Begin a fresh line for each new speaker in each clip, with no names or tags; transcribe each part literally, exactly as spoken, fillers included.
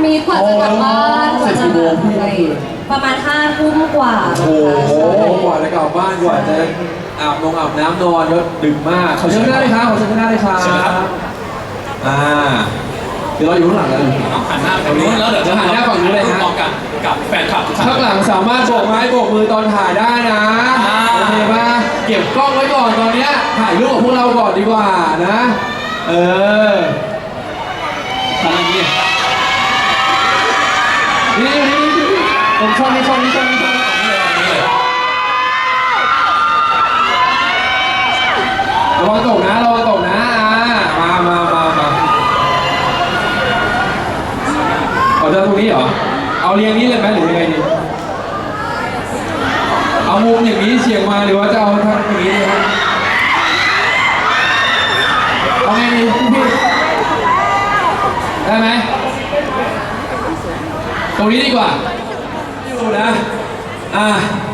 มีกว่าจะกลับบ้านกว่าจะประมาณห้าทุ่มกว่าโอ้โห
กว่าจะกลับบ้านกว่าจะอาบนงอาบน้ำนอนก็ดึกมากขอเชิญได้เลยครับขอเชิญได้เลยครับอ่าเดี๋ยวเราอยู่ข้างหลังแล้ว
หันหน้าฝั่งนู้นแล้วเดี๋ยวจะหันหน้าฝั่งนู้นเลยฮะพร้อมกันกับแฟนคลับ
ข้างหลังสามารถโบกไม้โบกมือตอนถ่ายได้นะโอเคป่ะเก็บกล้องไว้ก่อนตอนนี้ถ่ายรูปกับพวกเราก่อนดีกว่านะเออทำอย่างนี้นี่นี่นี่ผมชอบนี่ชอบนี่ชอบนี่ชอบระวังตกนะระวังตกนะมามามามาเอาจะตรงนี้เหรอเอาเรียงนี้เลยไหมหรือยังไงดีเอามุมอย่างนี้เฉียงมาหรือว่าจะเอาทางอย่างนี้ดีครับเอาไงดีพี่ได้ไหมตรงนี้ดีกว่าอยู่นะอ่ะ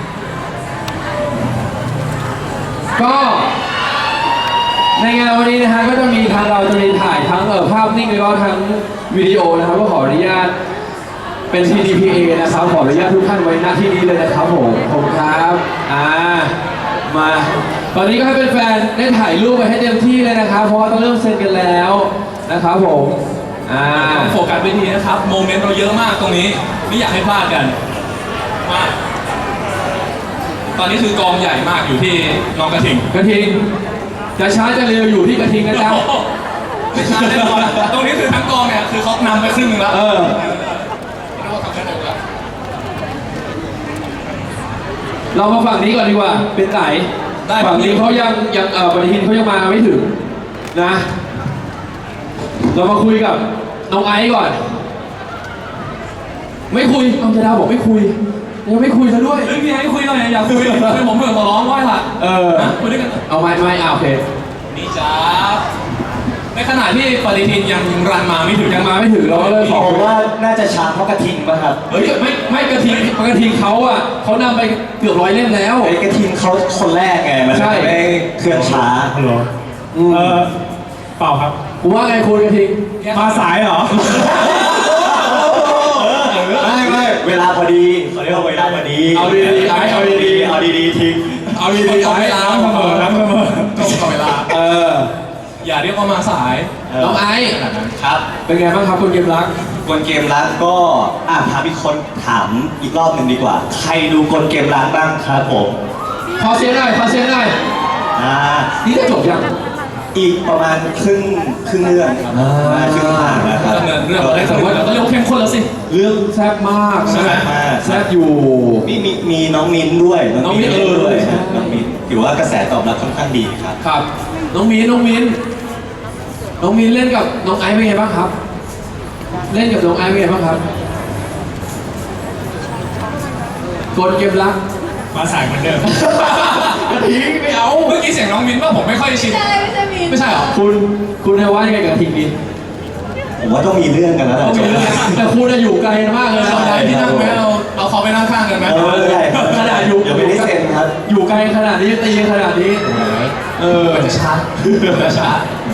ก็ในงานวันนี้นะฮะก็จะมีทางเราจะมีถ่ายทั้งเอ่อภาพนิ่งแล้วก็ทั้งวิดีโอนะครับก็ขออนุญาตเป็น ที ดี พี เอ นะครับขออนุญาตทุกท่านไว้หน้าที่นี้เลยนะครับผมขอบคุณครับอ่ามาตอนนี้ก็ให้เป็นแฟนได้ถ่ายรูปไปให้เต็มที่เลยนะครับเพราะว่าต้องเริ่มเซ็นกันแล้วนะครับผมอ่า
โฟกัสไปทีนะครับโมเมนต์เราเยอะมากตรงนี้ไม่อยากให้พลาดกันมาตอนนี้คือกองใหญ่มากอยู่ที่น้องกระทิง
กระทิงจะช้าจะเร็วอยู่ที่กระทิงนะจ๊ะ
ไม่ช้าแน่นอนตรงนี้คือทั้งกองเนี่ยคือเขานำไปครึ่งนึงแล้ว
เออเรามาฝั่งนี้ก่อนดีกว่าเป็นไหนฝั่งนี้เขายังยังเออปฏิทินเขายังมาไม่ถึงนะเรามาคุยกับน้องไอซ์ก่อนไม่คุยเอาจะดาวบอกไม่คุยยังไม่คุยซะด้วย
เฮ้ยพี่ไอ้คุยหน่อยอยากคุยคุยผมเผื่อขอร้องว่าล่ะ
เออ
คุยด้วยกัน
เอาไม่ไม่เอาโอเค
นี่จ้าในขณะที่ปฏิทินยังรันมาไม่ถึง
ยังมาไม่ถึงเราก็เลย
ขอว่าน่าจะช้าเพราะกระทิงป่ะครับ
เฮ้ยไม่ไม่กระทิงกระทิงเขาอ่ะเขานำไปเกือบร้อยเล่มแล้ว
ไอ้กระทิงเขาคนแรกไงมันไม่เคลื่อนช้า
เหรอเออเปล่าครับ
ผมว่าไงคุณกระทิง
มาสายเหรอ
ไม่ไม่เวลาพอดีเขาเรียกว่าเวลาพอดี
เอาดีดีไอ้เอาดีดี
เอาดีดีทิ้ง
เอาดีดีไอ้
เวลาเสมอนะเสมอตรงกับเวลา
เออ
อย่าเรียกว่ามาสาย
น้องไอ้
ครับ
เป็นไงบ้างครับคนเกมรัก
คนเกมรักก็อ่ะพาพี่คนถามอีกรอบหนึ่งดีกว่าใครดูคนเกมรักบ้างครับผม
พอเสียงหน่อยพอเสียงหน่อย
อ่า
นี่จะจบยัง
อีกประมาณครึ่งครึ่งเรื่องครับครึ่งทางนะครับ
เรื่องอะไรแต่ว่าเราเรียกว่าเข้มข้นแล้วสิ
เรื่องแซ่บมาก
แซ่บมาก
แซ่บอยู่
มีมีมีน้องมิ้นด้วย
น้องมิ้น
ด้วยน้องมิ้นถือว่ากระแสตอบรับค่อนข้างดีครับ
ครับน้องมิ้นน้องมิ้นน้องมิ้นเล่นกับน้องไอซ์เป็นไงบ้างครับเล่นกับน้องไอซ์เป็นไงบ้างครับกดเกมรัก
มาสายเหมือนเดิม
กระทิงไม่เอา
เมื่อกี้เสียงน้องมิ้นว่าผมไม่ค่อยชิน
ไม่ใช่ไม่ใช่มิ้น
ไม่ใช่หรอ
คุณคุณจะว่ายังไงกับกระทิงดี
ผมว่าต้องมีเรื่องกันแล้วแหละ
แต่คุณจะอยู่ไกลมากเลย
เราได้ที่นั่งไหมเราเอาเขาไปนั่งข้างกันไหม
เออใช่
ขนาดอยู่
อย่าไปได้เซ็นครับ
อยู่ไกลขนาดนี้ตีขนาดนี้เออ
จะช้าจะช้า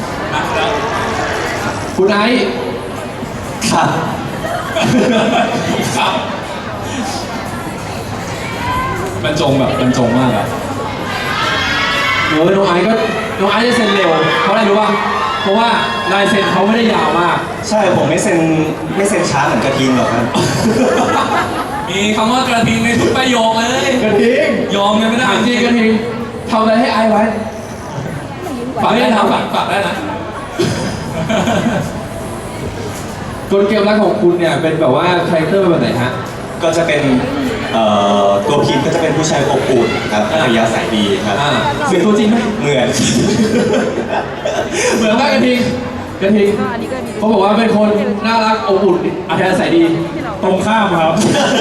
คุณไอซ์
ครับ
ครับบรรจงแบบบรรจงมากอะ
เออน้องไอซ์ก็น้องไอซ์จะเซ็นเร็วเพราะอะไรรู้ป่ะเพราะว่าลายเซ็นเขาไม่ได้ยาวมาก
ใช่ผมไม่เซ็นไม่เซ็นช้าเหมือนกระทิงหรอกครับ
มีคำว่ากระทิงในทุกประโยคเลย
กระทิง
ยอมกันไม่ได้
จริงกระทิงทำอะไรให้ไอซ์ไว้
ฝากได้นะฝากฝากได้นะ
กลเกมรักของคุณเนี่ยเป็นแบบว่าคาแรคเตอร์แบบไหนฮะ
ก็จะเป็นตัวพีมก็จะเป็นผู้ชายอบอุ่นครับอัธยาศัยดีครับ
เหมือนตัวจริงไหม
เหมือน
เหมือนมากกระทิงกระทิงเขาบอกว่าเป็นคนน่ารักอบอุ่นอัธยาศัยดี
ตรงข้ามครับ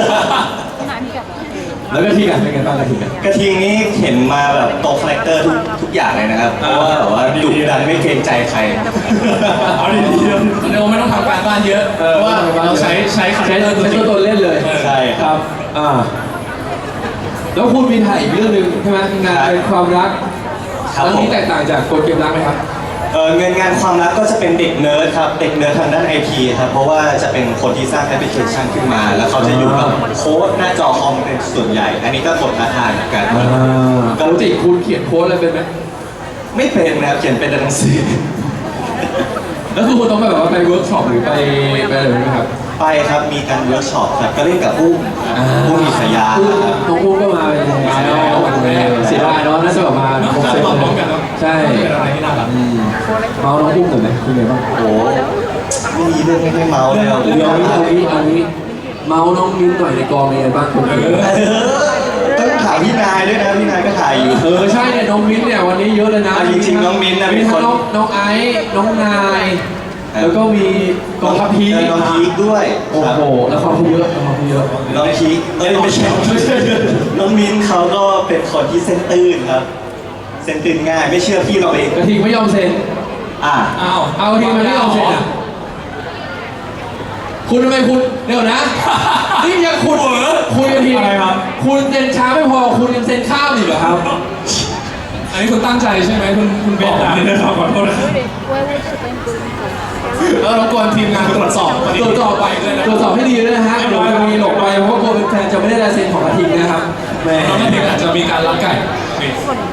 แล้วกระทิงอ่ะเป็นไงบ้างกระทิง
กระทิงนี่เห็นมาแบบโตคาแรคเตอร์ทุกทุกอย่างเลยนะครับเพราะว่าแบบว่าดุดันไม่เกรงใจใคร
เอาดีๆเดี๋ยวไม่ต้องทำการบ้านเยอะเพราะว่าเราใช้ใช้
ใช้ตัวตนเล่นเลย
ใช่
ครับอ่าแล้วคุณมีถ่ายอีกเรื่องหนึ่งใช่ไหมงานเป็นความรักเรื่องนี้แตกต่างจากกลเกมรักไหมครับ
เออเงินงานความรักก็จะเป็นเด็กเนิร์ดครับ เด็กเนิร์ดทางด้านไอทีครับ เพราะว่าจะเป็นคนที่สร้างแอปพลิเคชันขึ้นมา แล้วเขาจะอยู่กับโค้ดหน้าจอคอมเป็นส่วนใหญ่ อันนี้ก็กดท้าทายเหมือนกัน
อ่าปกติคุณเขียนโค้ดอะไรเป็นไหม
ไม่เป็นนะครับเขียนเป็นแต่หนังสือ
แล้วคือคุณต้องไปแบบว่าไปเวิร์กช็อปหรือไปไปอะไรไหมครับ
ไปครับ มีการเวิร์กช็อปครับ ก็เล่นกับอุ้มอุ้มอิสยา
อุ้ม
ครับ
น้องอุ้มก็มาเป็นมาแล้วเสียดายเนาะน่าจะแบบมา
เนอะ
ครบเซต
มาพร้อมกันเนอะ
ใช่
เป็นอะไรที่น่ารัก
อืมเมาน้องอุ้มหน่อยไหมคุณไงบ้าง
โอ้โหไม่มีเรื่องไม่ให้เมาเลยอ่ะ
เดี๋ยวเอานี้เอานี้เอานี้เมาน้องมิ้นหน่อยในกองเป็นไงบ้างคุณ
เออต้องถามพี่นายด้วยนะ พี่นายก็ถ่ายอยู่
เออใช่เนี่ยน้องมิ้นเนี่ยวันนี้เยอะเลยนะ
อ่ะจริงๆน้องมิ้นท์นะ
มี
เป็นคน
ทั้งน้องน้องไอซ์น้องนาย แล้วก็มีกองทัพพี
เออน้องพีคด้วย
โอ้
ครับ
โหแล้วความเขาเยอะแล้วความเขาเยอะ
น้องพีคเอ้ยไม่ใช่ไม่ใช่น้องมิ้นเขาก็เป็นคนที่เส้นตื้นครับ เส้นตื้นง่าย ไม่เชื่อพี่เราเอง
กระทิงไม่ยอมเซ็น
อ่ะ
อ้าว
เอากระทิงมาไม่ยอมเซ็นอ่ะคุณทำไมคุณเดี๋ยวนะนี่ยังคุณคุณกระทิง
อะไรครับ
คุณเซ็นช้าไม่พอคุณยังเซ็นข้าวอีกเหรอครับ
อันนี้คุณตั้งใจใช่ไหมคุณคุณ
บบ อ
อก ก
อันนี้นะครับขอโทษนะครับ
เออรบกวนทีมงานตรวจสอบวันนี้
ตรวจสอบไป
ด้วยนะ
ตรวจสอบให้ดีด้วยนะฮะเดี๋ยวจะมีหลบไปเพราะว่ากลัวเป็นแฟนจะไม่ได้ลายเซ็นของกระทิงนะครับแหม
น้องทีมอาจจะมีการลักไก่นี่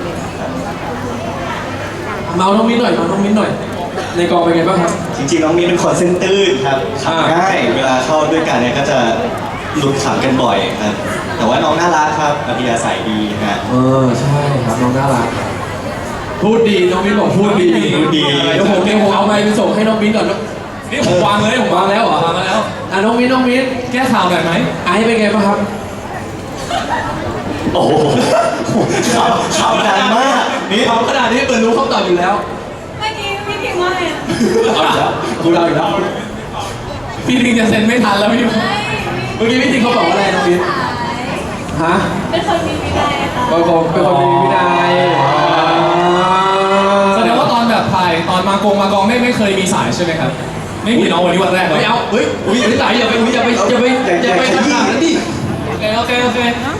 เมาน้องมิ้นหน่อยเมาน้องมิ้นหน่อย ในกองเป็นไงบ้างครับ
จริงๆน้องมิ้นเป็นคนเส้นตื้นครับขำง่าย เวลาเข้าด้วยกันเนี่ยก็จะหลุดขำกันบ่อยครับ แต่ว่าน้องน่ารักครับอัธยาศัยดีฮะ
เออใช่ครับน้องน่ารักพูดดีน้องมิ้นบอกพูดดี
พูดดี
เดี๋ยวผมเดี๋ยวผมเอาไมค์ไปส่งให้น้องมิ้นก่อนนะ
นี่ผมวางเลยผมวางแล้วเหรอวางมาแล้ว
อ่ะน้องมิ้นน้องมิ้น
แก้ข่าวหน่อยไหม
ไอซ์เป็นไงบ้างครับ
โอ้โหข่าวข่าวดังมากนี่
เขาขนาดนี้เปิดรู้คำตอบอยู่แล้ว
เมื่อกี้พี่พิมพ์ว่าไงอะ
เอาอีกแล้วคุณเอาอีกแล้ว
พี่ลิงจะเซ็นไม่ทันแล้วพี่
เมื่อกี้พี่ทิงเขาบอกว่าอะไรน้องมิ้นฮะ
เป็นคนมีวินัยค่ะ
เป็นคนเป็นคนมีวินัย
แสดงว่าตอนแบบถ่ายตอนมากงมากองไม่ไม่เคยมีสายใช่ไหมครับ ไม่มีน้องวันนี้วันแรกเลย
ไม่เอาเฮ้ยอุ้ยไหลอย่าไปอย่าไปอย่าไปอย่าไปขนาดนั้นดิ
โอเคโอเคโอเค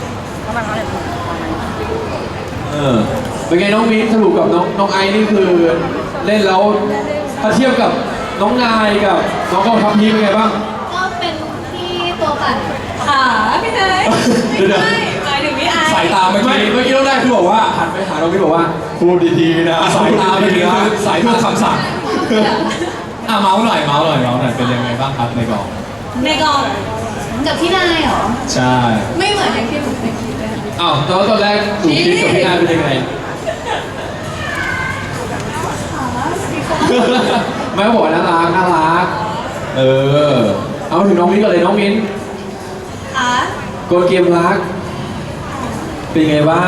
เออเป็นไงน้องมิ้นสรุปกับน้องน้องไอซ์นี่คือเล่นแล้วถ้าเทียบกับน้องนายกับน้องกองทัพพีเป็นไงบ้าง
ก็เป็นที่ตัวปั่นขาพี่เนย
เดี๋ยว
ไม่ใช่หมายถึงพี่ไอซ์
สายตาเมื่อ
ไม่
กี้
เมื่อกี้น้องนายคือบอกว่าหันไปหาน้องมิ้นบอกว่าพูดดีๆนะ
สายตาเมื่อกี้คือสายตาคำสั่งอ่ะเมาส์หน่อยเมาส์หน่อยเมาส์หน่อยเป็นยังไงบ้างครับในกอง
ในกองกับพี่นายเหรอ
ใช่
ไม่เหมือนอย่างที่หนูเคยคิดเลย
อ้าวตอนตอนแรกหนูคิดกับพี่นายเป็นยังไง ไม่บอกว่าน่ารักน่ารัก เออ เอาถึงน้องมิ้นก่อนเลยน้องมิ้น
ค่ะ
กดเกมรัก เป็นไงบ้าง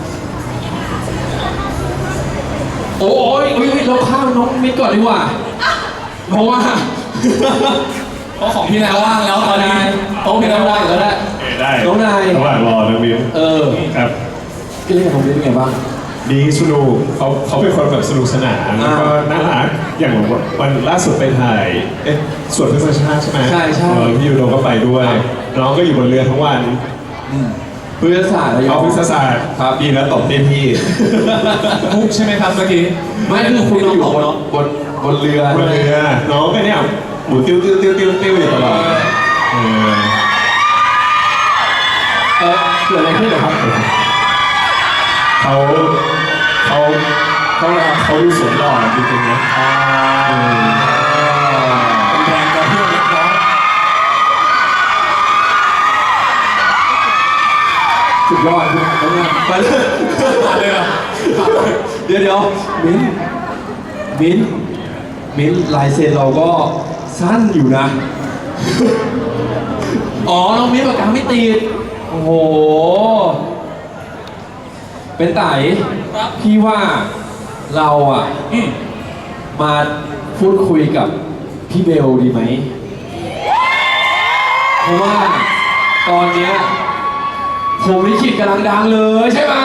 โอ้ยโอ้ยเราข้ามน้องมิ้นก่อนดีกว่า เพราะว่า
เพราะของพี่นายว่างแล้วตอนนี้
โต๊ะพี่นายว่างแล้วแหละ
ได้
น้องนาย
ระหว่างรอนะมิ้น
เออ
ครับ
พี่เล่นกับน้องมิ้นเป็นไงบ้าง
ดีสนุกเขาเขาเป็นคนแบบสนุกสนานแล้วก็น่ารักอย่างวันล่าสุดไปถ่ายเอ๊ะสวนพฤกษชาติใช่ไหม
ใช่ใช่
เออพี่ยูโดก็ไปด้วย
ครับ
น้องก็อยู่บนเรือทั้งวัน
พฤกษศาสตร์ระยอ
เอา
ง
พฤกษศาสตร์ครับดีแล้วตบเต็มที่
มุกใช่ไหมครับเมื่อกี้
ไม่คือคุณอยู่บนบนบนเรือบ
นเรือน้องก็เนี่ยหมุนติ้วติ้วติ้วติ้วติ้วอยู่ตลอดเออ
เออเกิดอะไรขึ้นเหรอครับ
เขาเขาเขาเขาดูสวยหล่อจริงๆนะเออ
แรงกระเพื่อมเล็กน้อย
สุดยอดน้องนายไปเลย
ผ่านเลยเหรอ
เดี๋ยวเดี๋ยวมิ้นมิ้นมิ้นลายเซ็นเราก็สั้นอยู่นะ อ๋อ น้องมิ้นปากกาไม่ติด โอ้โห เป็นไต่
ครับ
พี่ว่าเราอ่ะ
อืม
มาพูดคุยกับพี่เบลดีไหม เพราะว่าตอนเนี้ยผมลิขิตกำลังดังเลยใช่ไหม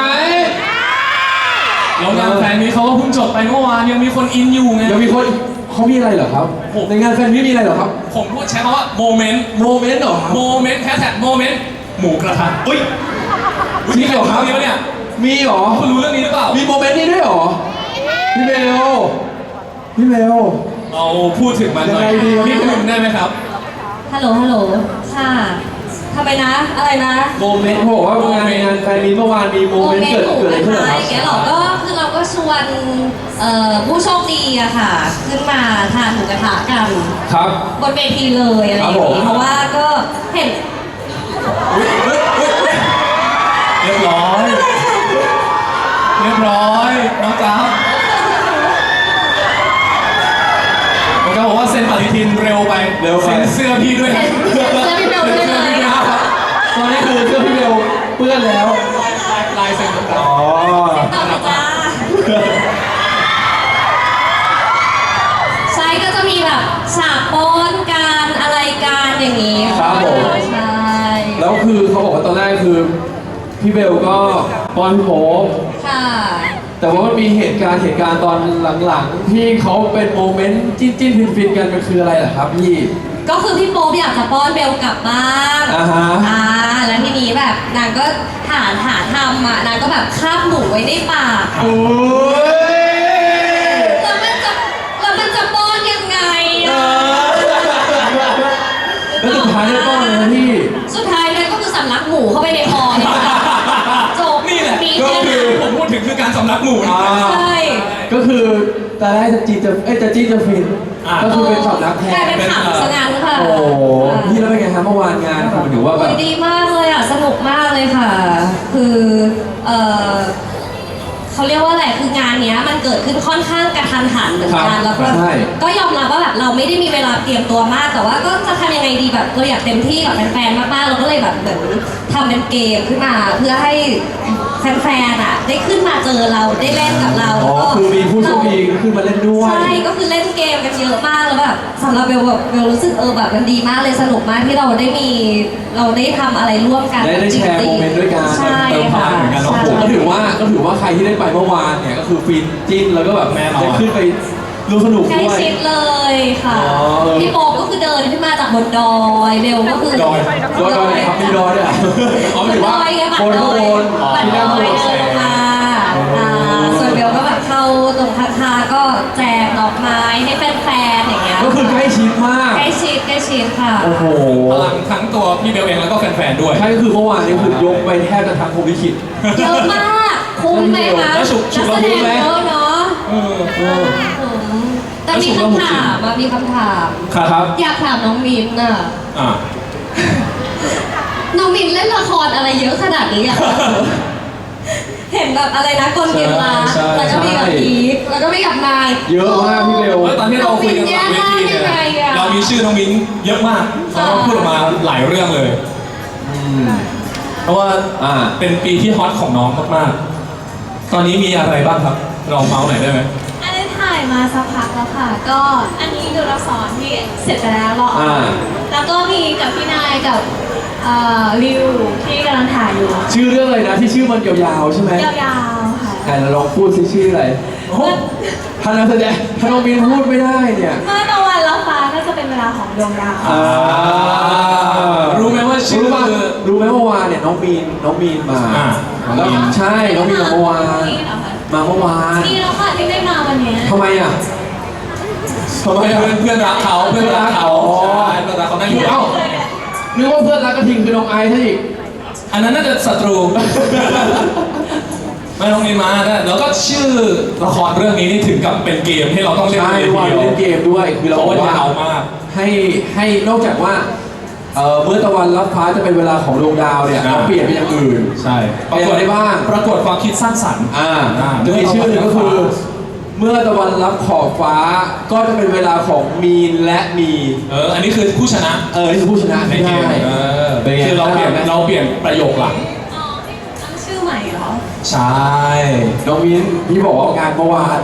แล้วงานแฟนนี้เขาก็เพิ่งจบไปเมื่อวานยังมีคนอินอยู่ไง
ยังมีคนเขามีอะไรเหรอครับ
ผม
ในงานแฟนมิตมีอะไรเหรอครับ
ผมพูดใช้คำว่าโมเมนต์
โมเมนต์เหรอครับ
โมเมนต์แฮชแท็กโมเมนต์หมูกระทะอุ้ย
มีเหรอครับ
มีปะเนี่ย
มีเหรอ
คุณรู้เรื่องนี้หรือเปล่า
มีโมเมนต์นี้ด้วยเหรอ พี่เบลพี่เบล
เราพูดถึงมันหน่อย
ยังไงดีวะ
นิดนึงได้ไหมครับ
ฮัลโหลฮัลโหลค่ะทำไมนะอะไรนะ
โมเมนต์บอกว่างานงานแฟนมีเมื่อวานมีโมเมนต์เกิด
หมู
เกิดอะไร
ก
ขึ้น
ระ
เหรอ
ทะ
ครับ
อย่างเงี้ยหรอก็คือเราก็ชวนเอ่อผู้โชคดีอะค่ะ ขึ้นมาทานหมูกระทะกัน
ครับ
บนเวทีเลยอะไรอย่าง
ครับผม
งี้เพราะว่าก็เห็น
เรียบร้อย เรียบร้อยน้องจ๊าบผมจะบอกว่าเซ็นปฏิทินเร็วไป
เร็วไป
เซ็นเสื้อพี่ด้วยนะ
เสื้อพี่เบลด้วยเลย
ครับ
ตอนนี้คือเสื้อพี่เบลเปื้อนแล้ว
ลายเซ็นต่าง
อ๋อ
ต่อเลยจ้าใช่ก็จะมีแบบฉากป้อนการอะไรการอย่างงี้
ครับผม
ใช่
แล้วคือเขาบอกว่าตอนแรกคือพี่เบลก็ป้อนพี่โป๊ป
ค่ะ
แต่ว่ามันมีเหตุการณ์เหตุการณ์ตอนหลังๆ ที่เขาเป็นโมเมนต์จิ้นจิ้นฟินฟินๆกันมันคืออะไรล่ะครับพี่
ก็คือพี่โป๊ปอยากจะป้อนเบลกลับบ้าน
อ่าฮะ
อ่าแล้วทีนี้แบบนางก็หาหาทำอ่ะนางก็แบบคาบหมูไว้ในปาก
โอ้ย
แล้วมันจะแล้วมันจะป้อนยังไงอ่ะ
แล้วสุดท้ายได้ป้อนเลยนะพี่
สุดท้ายเนี่ยก็คือสำลักหมูเข้าไปในคอเนี่ยค่ะจบ
ๆนี่แหละ
มี
ก็
แค่
คื
นั้
อน ผมพูดถึงคือการสำลักหมูนะ
อ่า
ใช่
ก็คือตอนแรกจะจีนจะเอ้ยจะจีนจะฟิน
อ่า
ก็คือเป็นสำนักแท
กลาย
น
เป็นขำซะงั้นค่ะ
โอ้โหพี่แล้วเป็นไงครับเมื่อวานงานคือถือว่าแบ
โอ้
บ
ยดีมากเลยอ่ะ สนุกมากเลยค่ะ คือเออเขาเรียกว่าอะไรคืองานเนี้ยมันเกิดขึ้นค่อนข้างกระทันหันเหมือนกันแล้วก็
ใช่
ก็ยอมรับว่าแบบเราไม่ได้มีเวลาเตรียมตัวมาก แต่ว่าก็จะทำยังไงดีแบบเราอยากเต็มที่กับแฟนๆมากๆเราก็เลยแบบเหมือนทำเป็นเกมขึ้นมา เพื่อให้แฟนๆอ่ะได้ขึ้นมาเจอเราได้เล่นกับเรา
อ๋อ
แล้วก็
คือมีผู้โชคดีขึ้นมาเล่นด้วย
ใช่ก็คือเล่นเกมกันเยอะมากแล้วแบบสำหรับเบลแบบเบลรู้สึกเออแบบมันดีมากเลยสนุกมากที่เราได้มีเราได้ทำอะไรร่วมกัน
ได้ได้แชร์โมเมนต์ด้วยกัน
ใช่
เติมพลั
ค่ะ
งเหมือนกันเนอะ
ใช่
ก็ถือว่าก็ถือว่าใครที่ได้ไปเมื่อวานเนี่ยก็คือฟินจิ้นแล้วก็แบบ
แน่นอน
ได้ขึ้นไปดูสนุก
ใกล้
ด้วย
ชิดเลยค่ะ
อ๋อเออ
พี่โป๊ปก็คือเดินขึ้นมาจากบนดอยเบลก็คือ
ดอยดอยดอยไหนครับมีดอยด้วยเหรออ๋อหมายถึงว่า
ดอยไงบัต
บ
ร
น
ด
ข้าง
อบ ย
น
บัตร
ที่
ด
นั่ง
อบ ย
น
เดินลงมาอ่าส่วนเบลก็แบบเข้าตรงพัทาก็แจกดอกไม้ให้แฟนๆอย่างเงี้ย
ก็คือใกล้ชิดมาก
ใกล้ชิดใกล้ชิดค่ะ
โอ้โห
พลังทั้งตัวพี่เบลเองแล้วก็แฟนๆด้วย
ใช่ก็คือเมื่อวานนี้คือยกไปแทบจะทั้งภูมิคิด
เยอะมากคุ้มไหมคะ
แล้วฉุกฉุ
นั
ก
ก
ละ
แส
มุ
ด
น
ง
ไหม
เยอะเนาะ
เออ
เออ
อืมแต่มีคำถามอะมีคำถาม
ครับ
อยากถามน้องมินน่ะ
อ่ะ
น้องมินเล่นละครอะไรเยอะขนาดนี้อะเห็นแบบอะไรนะกลเกมรัก
ใช่
แล้วก็มีกับพีคแล้วก็มีกับนาย
เยอะมากพี่เบล
เฮ้ยตอนที่เราคุยกันหลังเวทีเนี่ย
น้องมิ้นแย่มากยังไงอะ
เรามีชื่อน้องมิ้นเยอะมากเขาก็พูดออกมาหลายเรื่องเลย เพราะว่า
อ่า
เป็นปีที่ฮอตของน้องมากๆ ตอนนี้มีอะไรบ้างครับลองเมาส์หน่อยได้ไหม
อันนี้ถ่ายมาสักพักแล้วค่ะ ก็อันนี้ดูละครที่เสร็จไปแล้วรอออน
อ่า
แล้วก็มีกับพี่นายกับเอ่อริวที่กำลังถ่ายอยู่
ชื่อเรื่องอะไรนะที่ชื่อมันยาวๆใช่ไหม
ยาวๆค่ะ
ไหนเราลองพูดซิชื่ออะไรถ้านักแสดงถ้าน้องมินพูดไม่ได้เนี่ย
เมื่อตะวันรับฟ้าก็จะเป็นเวลาของดวงดาว
อ่า
รู้ไหมว่าชื่อ
รู้ป่ะรู้ไหมเมื่อวานเนี่ยน้องมีนน้องมีนมา
อ่า
แล้วใช่น้องมีนมาเมื่อวาน
นี่เหรอคะ
มาเมื่อวาน
นี่แล้วค่ะที่ได้มาวันเนี้ย
ทำไมอ่ะทำไม
เพื่อน
อ่ะ
เพื่อนรักเขาเพื่อนรักเขา
อ๋อ
ใช่เพื่อนรักเขานั่งอยู่
เอ้านึกว่าเพื่อนรักกระทิงคือน้องไอซ์ซะอีก
อันนั้นน่าจะศัตรู ไม่ต้องมีมานะแล้วก็ชื่อละครเรื่องนี้นี่ถึงกับเป็นเกมให้เราต้องเล่น
ใช่
เลย
ว่า
ทีเดียว
เล่นเกมด้วยคือเรา
เพราะ
บอก
ว่า
ว่าย
าวมาก
ให้ให้นอกจากว่าเอ่อเมื่อตะวันรับฟ้าจะเป็นเวลาของดวงดาวเนี่ย
อ่า
เราเปลี่ยนเป็นอย่างอื่น
ใช่
ปรากฏได้บ้าง
ปรากฏความคิดสร้างสรรค์
อ่า
อ่า
จะมีชื่อหนึ่งก็คือ เมื่อตะวันรับขอบฟ้าก็จะเป็นเวลาของมีนและมี
เอออันนี้คือผู้ชนะ
เออนี่คือผู้ชนะ
ใน
ไม่
เก
ได้
มเออ
เป็นไง
คือเราเปลี่ยน
ได้ไหม
เราเปลี่ยนประโยคหลัง
อ๋อตั้งชื่อใหม่เหรอ
ใช่
น้องมินพี่บอกว่างานเมื่อวาน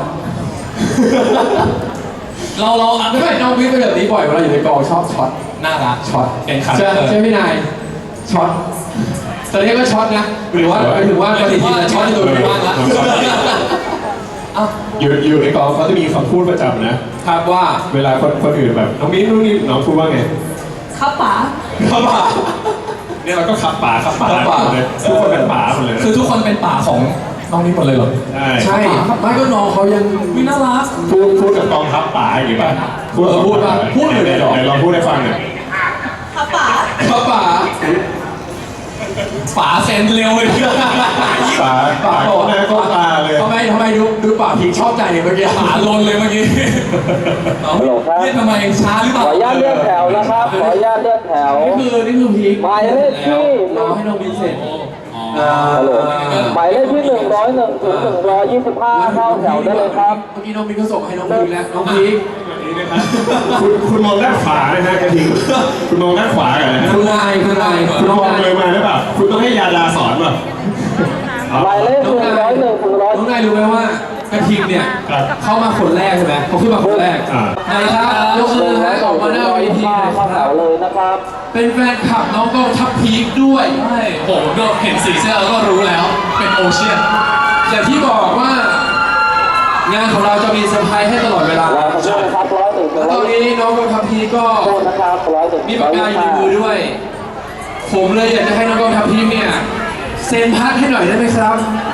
เราเราอ่ะ
ไม่ใช่น้องมินเป็นแบบนี้บ่อยเวลาอยู่ในกองชอบช็อต
น่ารัก
ช็อต
เป็นคาแร
ใช่
คเตอร์
ใช่พี่นายช็อตแต่เรียกว่าช็อตนะหรือว่าหมายถึงว่าปฏิทินนะช็อตในตัวเอง
ว่างละเอ้า
อยู่อยู่ในกองเขาจะมีคำพูดประจำนะครับ
ว่า
เวลาคนคนอื่นแบบน้องมิ้นนู่นนี่น้องพูดว่าไง
ครับป๋า
ขับป่าเนี่ยเราก็ขับป่าขับป่า
ขับป่า
หมดเลยทุกคนเป็นป่าหมดเลยนะ
คือทุกคนเป็นป่าของน้องนี้หมดเลยเหรอ
ใช่
ใช่ไม่ก็น้องเขายัง
วิน่ารัก
พูดพูดกับกองทัพป่าอย่างงี้ป่ะพูด
เออพูดป่ะพูดอยู่เลยเหรอ
ไหนลองพูดให้ฟังหน่อย
ค่ะป๋า
ป้าป๋า
ฝาเซ็นเร็วเลย
ป่าป่าหน้าก็ตาเลย
ทำไมทำไมดูดูป่าพีชอบใจเมื่อกี้
ฝาลนเลยเมื่อกี้น้องเรียกทำไมช้าหรือเปล่า
ขออนุญาตเลื่อนแถวนะครับ ขออนุญาตเลื่อนแถว
นี่คือนี่คือพีค
หมายเลขที่
รอให้น้องบินเสร็จ
อ๋อ
อ่า
หมายเลขที่หนึ่งร้อยหนึ่งถึงหนึ่งร้อยยี่สิบห้าเข้าแถวได้เลยครับ
เมื่อกี้น้องบินก็ส่งให้น้องพีคแล้วน้องพีค
คุณคุณมองด้านขวาเลยนะกระทิงคุณมองด้านขวากันนะฮะ
คุณนายคุณนาย
คุ
คุณ ณ
ม
น้
อ
อง ง
เลยมาหรือเปล่าคุณต้องให้ยาดาสอนป่ะ
หมายเลขหนึ่งร้อยหนึ่งถึงร้อย
น้องนายรู้ไหมว่ากระทิงเนี่ย
ครับ
เข้ามาคนแรกใช่ไหมเขาขึ้นมาคนแรก
อ่า
ไหนครับยกมือให้ออกมาหน้าเวทีหน่อยค
เข้าแถ
รับ
วเลยนะครับ
เป็นแฟนคลับน้องกองทัพพีคด้วย
ใช่ผมก็เห็นสีเสื้อแล้วก็รู้แล้ว เป็นโอเชียน
อย่างที่บอกว่า งานของเราจะมีเซอร์ไพรส์ให้ตลอดเวลา
รอสักครู่นะครับร้อยหนึ่งถึ
แล้
ง
วต
ร้
อ
อน ย
นี้น้องกองทัพพีคก็
โทษนะครับร้อยหนึ่ง
มีปากกาอยู่ในมือด้วย ผมเลยอยากจะให้น้องกองทัพพีคเนี่ยเซ็นพัดให้หน่อยได้ไหมครับ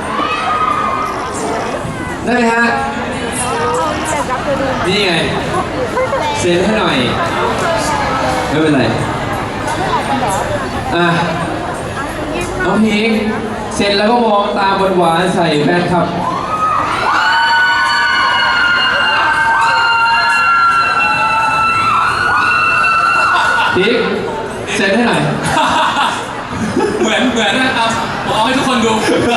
ได้ไหมฮะ นี่ไง เซ็นให้หน่อย ไม่เป็นไร อ่ะ น้องพีคเซ็นแล้วก็มองตาหวานๆใส่แฟนคลับ พีคเซ็นให้หน่อย
เหมือนเหมือนนะครับผมเอาให้ทุกคนดู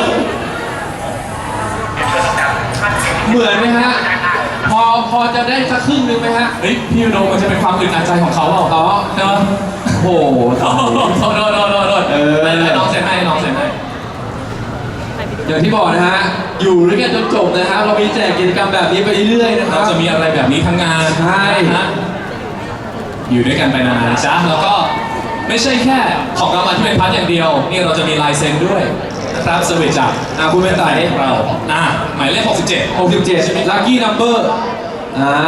เหมือนไหมฮะ พอพอจะได้สักครึ่งหนึงไหมฮะ
เฮ้ยพี่โดมมันจะเป็นความอึดอัดใจของเขาเปล่า
อ๋อ
ใช่ไหม
โอ้โห
โอ้โหโดนโดนโดนโดนโดน
เออ
ให้น้องเซ็นให้น้องเซ็นให้
อย่างที่บอกนะฮะ อยู่ด้วยกันจนจบนะฮะ เรามีแจกกิจกรรมแบบนี้ไปเรื่อยๆนะครั
เรา
บ
จะมีอะไรแบบนี้ทั้งงาน
ใช่
นะฮะอยู่ด้วยกันไปนานๆจ้ะแล้วก็ไม่ใช่แค่ของรางวัลที่เป็นพัดอย่างเดียว นี่เราจะมีลายเซ็นด้วยนะครับสวิตจาก
อ่ะคุณเป็นไต่
เราอ่ะหมายเลขหกสิบเจ็ด
หกสิบเจ็ด lucky number อ่า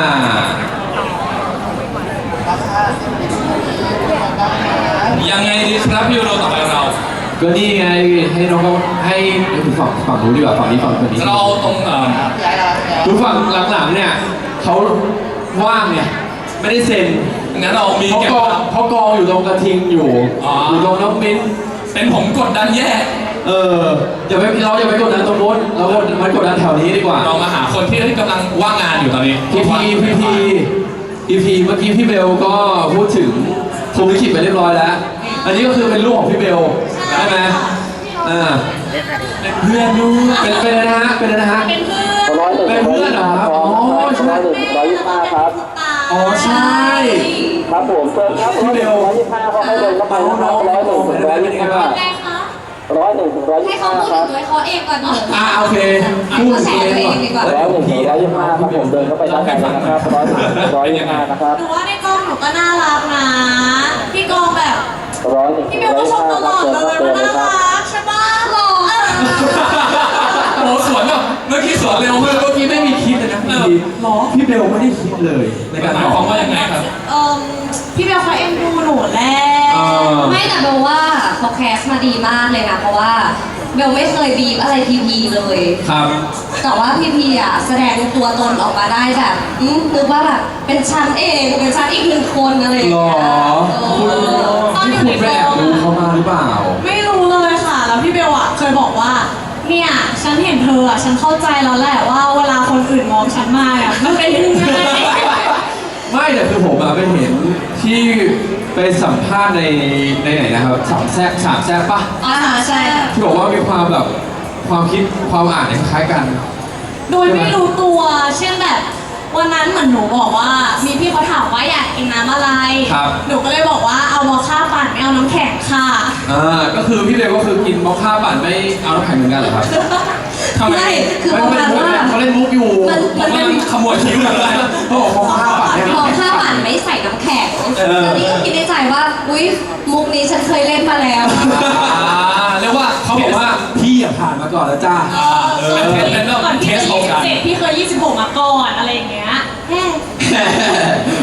ยังไงดีครับพี่โดต่อไปเรา
ก็นี่ไง ให้น้องก็ให้ฝั่งฝั่งนู้นดีกว่าฝั่งนี้ฝั่งคนนี้
เราตรงเอ่อ
ดูฝั่งหลังๆเนี่ยเขาว่างเนี่ย ไม่ได้เซ็น
งั้นเรามี
เขา
เก็บ
กองเขากองอยู่ตรงกระทิงอยู่
อ๋อ
อ
อ
ยู่ตรงน้องมิ้น
เป็นผมกดดันแย่
เอออย่าไปเราอย่าไปกดดันตรงนู้นเรากดมันกดดันแถวนี้ดีกว่า
เรามาหาคนที่กำลังว่างงานอยู่ตอนนี้
พีพีพีพีพีพีเมื่อกี้พี่เบลก็พูดถึงพรหมลิขิตไปเรียบร้อยแล้ว อันนี้ก็คือเป็นลูกของพี่เบลใช่ไหมอ่า
เป็นเพื่อนด้วย
เป็นเป็นอะไรนะฮะเป็นอะไรนะฮะ
เป็นเพื่อน
ร้อยหนึ่ง
เป็นเพื่อนเหรอครับ
ร้
อ๋อใช่
อยหนึ่งถึงร้อยยี่สิบห้าครับ
อ๋อใช่
ครับผมเชิญครับร้อยหนึ่งร้อยยี่สิบห้าเขาให้เดินเข้าไปนะครับร้อยหนึ่งถึงร้อยยี่สิบห้า
ไงคะ
ร้อยหนึ่งถึงร้อยยี่
ให้
สิบ
เขา
ห้า
พูด
ค รับ
ถึงตัวเขาเองก่อนเถอะ
อ่าโอเคพูด
เขาแช
เอ
ร์
ง
ตัวเองดีกว่า
ร้อยหนึ่งถึงร้อยยี่สิบห้าครับผมเดินเข้าไปด้านในเลยนะครับร้อยหนึ่งถึงร้อยยี่สิบห้านะครับ
หนูว่าในกล้องหนูก็น่ารักนะ พี่กองแบบ
ร้อยหนึ่งถึ
พี่
ง
เบล
ร้อย
ก็
ยี่
ช
สิบ
ม
ห้า
ต
ครับ
ลอด
เชิญ
เล
ครับ
ย
เชิญ
มัน
เลย
น่า
ครับ
รักใช่ปะหล่อ
โอ้โหสวนแบบเมื่อกี้สวนเร็ว
เมื่
มา
อก กี้ไม่มีคิดเลยนะพี่พีหรอพี่เบลไม่ได้คิดเลยในการ
หมา
ต
ย
อบ
ความว่ายังไงครับ
เอ่มพี่เบลเขาเอ็นดูหนูแหละ
เออ
ไม่แต่เบลว่าเขาแคสมาดีมากเลยนะ เพราะว่าเบลไม่เคยบีบอะไรพีพีเลย
ครับ
แต่ว่าพีพีอ่ะแสดงตัวตนออกมาได้แบบอืมนึกว่าแบบเป็นฉันเองเป็นฉันอีกหนึ่งคนอะไรอย่าง
หร
เงี้
อย คุณ
เออ
ที่คุณไปแอบดูเขามาหรือเปล่า
ไม่รู้เลยค่ะ แล้วพี่เบลอ่ะเคยบอกว่า เนี่ย ฉันเห็นเธออ่ะ ฉันเข้าใจแล้วแหละว่าเวลาคนอื่นมองฉันมาอ่ะมันเป็นยังไง
ไม่แต่คือผมอะไปเห็นที่ไปสัมภาษณ์ในในไหนนะครับสามแซ่บสามแซ่บปะ
อ่าใช่
ที่บอกว่ามีความแบบความคิดความอ่านเนี่ยคล้ายกัน
โดยไม่รู้ตัว เช่นแบบวันนั้นเหมือนหนูบอกว่า มีพี่เขาถามว่าอยากกินน้ำอะไร
ครับ
หนูก็เลยบอกว่าเอามอคค่าปั่นไม่เอาน้ำแข็งค่ะ
อ่าก็คือพี่เบลก็คือกินมอคค่าปั่นไม่เอาน้ำแข็งเหมือนกันเหรอครับ
ทำไม
ไม่คือประ
ไม่
มาณ
ไม่
ว่า
เขาเล่นมุกอยู่
มัน
ผมกำลังขโมยคิ้วเลย
เขาบอกมอคค่าปั่นเนี่ย
มองข้าวปั่นไม่ใส่น้ำแข็ง
เออ
ตอนนี้ก็คิดในใจว่า อุ๊ย มุกนี้ฉันเคยเล่นมาแล้ว
อ่าเรียกว่า
เขาบอกว่าพี่อะผ่านมาก่อนแล้วจ้า
เออเป็นเป็นเรื่อง
ก่อน
เท
พี่
ส
จะ
ของกัน
ยี่สิบเจ็ดพี่เคยยี่สิบหกมาก่อนอะไรอย่างเงี้ยแฮ่
ค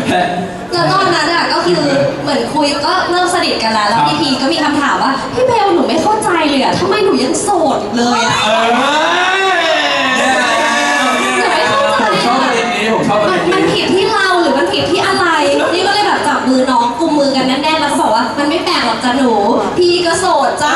แพ้
แล้วตอนนั้นอ่ะก็คือเหมือนคุยก็เริ่มสนิทกันแล้วแล้วพี่พีก็มีคำถามว่าพี่เบลหนูไม่เข้าใจเลยอ่ะทำไมหนูยังโสดอยู่เลยอ่ะ
เออ
หนูไม่เข้าใจ
ผมชอบประเด็นนี้ผมชอบประ
มั
เด็
น
น
มัน
นี้
ผิดที่เราหรือมันผิดที่อะไร นี่ก็เลยแบบจับมือน้องกุมมือกันแน่นๆแล้วก็บอกว่ามันไม่แปลกหรอกจ้ะหนู พี่ก็โสดจ้า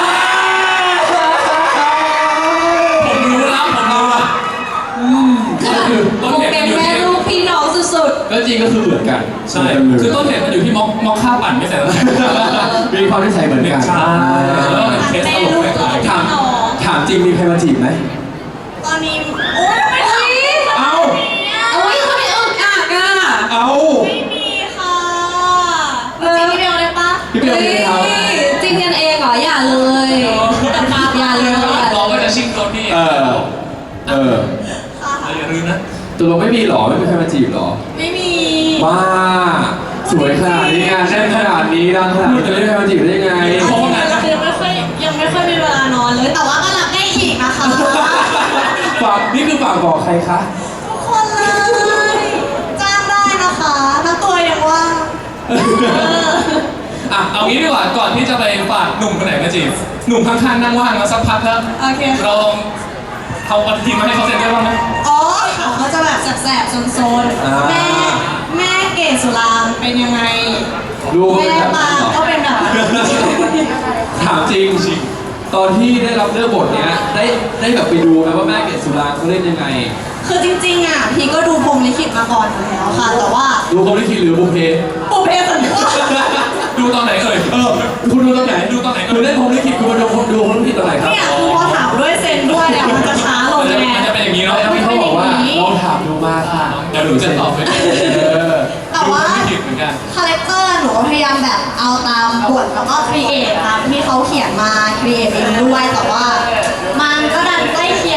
ผมรู้แล้วผมรู้แล้ว
คือแบบโมเมนต์แม่ลูกพี่น้องสุด
ก็จริงก็คือเหมือนกัน
ใช่ คือต้นเหตุมันอยู่ที่ม็อกม็อกค่าปั่นไม่ใส่แล้ว
มีความนิสัยเหมือนกัน
ใช่แล้วเคสตลกไม่ขาย
ถามถามจริงมีใครมาจีบไหม
ตอนนี้โอ๊ยทำไมทำนี้
เอา
ๆโอ้ยทำไมอึกอักอ่ะ
เอา
ไม่มีค่ะจริงๆพี่เบลได้ปะ
พี่เบลมีครับ
จริงกันเองเหรออย่าเลยอย่าเลย
เราก็จะชิงตัวพี่
เออ เออ
อย่าลืมนะ
ตัวเราไม่มีหรอไม่มีใครมาจีบหรอ
ไม่มี
ว้าสวยขนาดนี้งานแน่นขนาดนี้ดังขนาดนี้จะไม่มีใครมาจีบได้ยังไง
เพราะว่างาน
ยังไม่ค่อยยังไม่ค่อยมีเวลานอนเลย แต่ว่าก็รับได้อีกนะคะ
ฝากนี่คือฝากบอกใครคะ
ทุกคนเลยจ้างได้นะคะถ้าตัวยังว่าง
อ่ะเอางี้ดีกว่าก่อนที่จะไปฝากหนุ่มคนไหนมาจีบหนุ่มข้างๆนั่งว่างมาสักพักแล้ว
โอเค
เราลองเอาปฏิทินมาให้เขาเซ็นได้บ้างไหม
อ๋อเขาจะแบบแสบๆโซน
อ่า
ๆแม่แม่เกศสุรางค์เป็นยังไง
ดูว่า
แม่
เป็นแบบ
ปางก็เป็นแบบ
ถามจริงจริงตอนที่ได้รับเลือกบทเนี้ยได้ได้แบบไปดูไหมว่าแม่เกศสุรางค์เขาเล่นยังไง
คือจริงๆอ่ะพี่ก็ดูพรหมลิขิตมาก่อนอยู่แล้วค่ะ แต่ว่า
ดูเขาลิขิตหรือบุพเพ
ปุเพสันนิวาส
ดูตอนไหนเอ่ย
เออคุณดูตอนไหน
ดูตอนไหน
คุณเล่นพรหมลิขิตคุณมาดูดูพรหมลิขิตตอนไหนครับ
เนี่ยคือพอถามด้วยเซนด้วยอ่ะมันจะช้าลง
มันจะ
ไง
มันจะเป็นอย่างนี้เนาะ
แล้วพี่เขาบอกว่าลองถามดูมาค่ะ
เดี๋ยวหนูจะตอบไป
เออ
แต่ว่า
ไม่ผิดเหมือนกัน
คาแรคเตอร์หนูก็พยายามแบบเอาตามบทแล้วก็ครีเอทตามที่เขาเขียนมาครีเอทเองด้วยแต่ว่า มัน